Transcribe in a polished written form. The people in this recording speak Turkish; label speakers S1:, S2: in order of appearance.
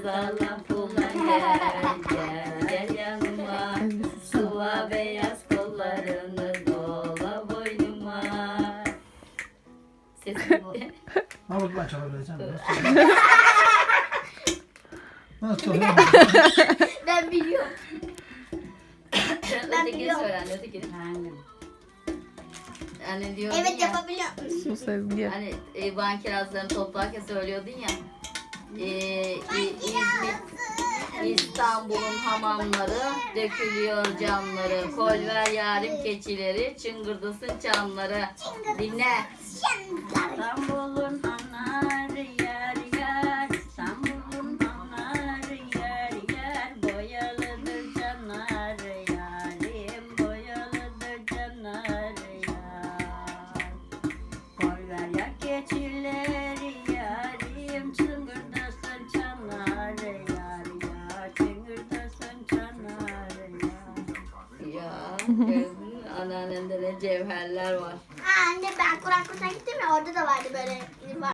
S1: sağlam pullan gel yanıma. Sıva beyaz kollarını dola boynuma. Sesim bu.
S2: Ama bak ben çalabileceğim. Nasıl çalıyor?
S3: Ben biliyorum.
S1: Ötekini
S3: biliyorum.
S1: söyle anne, ötekini. Hani diyordun
S3: Evet
S1: ya,
S3: yapabiliyorum.
S4: Sus Ezgi.
S1: hani Van kirazlarını toplarken söylüyordun ya. İstanbul'un hamamları, dökülüyor camları. Kol ver yarim keçileri, çıngırdasın çamları. Dinle.
S5: İstanbul'un anarı yer yer, İstanbul'un anarı yer yer, boyalıdır canları yarim, boyalıdır canları yar. Koy ver ya keçileri yarim, çıngırdasın çanları yar yar, çıngırdasın çanları yar.
S1: Ya gördün mü? Anneannende ne cevherler var.
S3: Anne ben Kur'an kursuna gittim ya orada da vardı böyle